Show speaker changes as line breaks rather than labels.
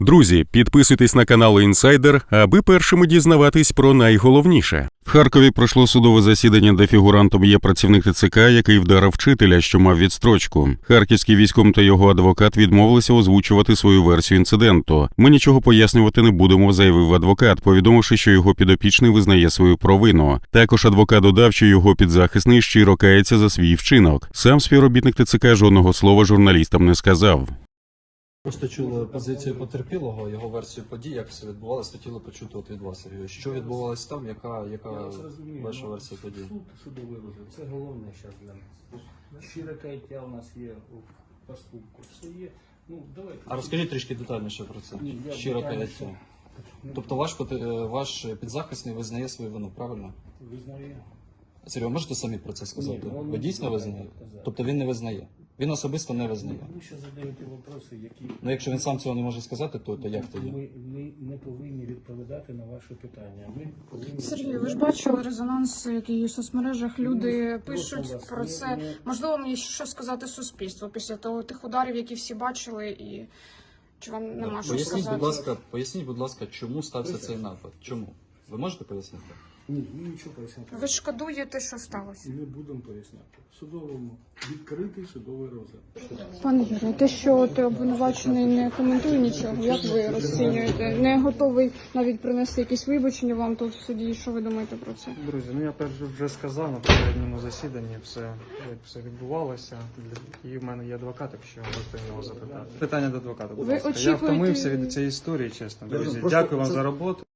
Друзі, підписуйтесь на канал Інсайдер, аби першими дізнаватись про найголовніше. В Харкові пройшло судове засідання, де фігурантом є працівник ТЦК, який вдарив вчителя, що мав відстрочку. Харківський військом та його адвокат відмовилися озвучувати свою версію інциденту. «Ми нічого пояснювати не будемо», – заявив адвокат, повідомивши, що його підопічний визнає свою провину. Також адвокат додав, що його підзахисний щиро кається за свій вчинок. Сам співробітник ТЦК жодного слова журналістам не сказав.
Просто чули позицію потерпілого, його версію подій, як все відбувалося, хотіли почути от від вас, Сергій. Що відбувалося там, яка ваша версія подій?
Судовий розгляд. Це головне зараз для нас. Щире каяття у нас є у поступку. Все є. Ну, давайте.
А розкажіть трішки детальніше про це.
Ні, я
Щиро
детальніше.
каяття. Тобто ваш підзахисний визнає свою вину, правильно?
Визнає.
Сергій, ви можете самі про це сказати?
Ні,
Ви дійсно визнаєте? Тобто він не визнає? Він особисто не визнає?
Ви ще задаєте питання, які...
Ну якщо він сам цього не може сказати, то як тоді?
Ми не повинні відповідати на ваші питання. Ми повинні...
Сергій, ви ж бачили резонанс, який у соцмережах люди пишуть про це. Можливо, мені що сказати суспільству після того тих ударів, які всі бачили, і чи вам нема що сказати?
Поясніть, будь ласка, чому стався цей напад? Чому? Ви можете пояснити?
Ні, ми нічого поясняти.
Ви шкодуєте, що сталося?
Не будемо поясняти. В судовому відкритий судовий розгляд.
Пане Юрію, те, що ти обвинувачений не коментує нічого, як ви розцінюєте? Не готовий навіть принести якісь вибачення вам тут в суді. Що ви думаєте про це?
Друзі, я вже сказав на попередньому засіданні як все відбувалося. І в мене є адвокат, якщо можете його запитати. Питання до адвоката, будь
Ви
ласка. Я
очікуєте-
втомився від цієї історії, чесно. Друзі, дякую вам за роботу.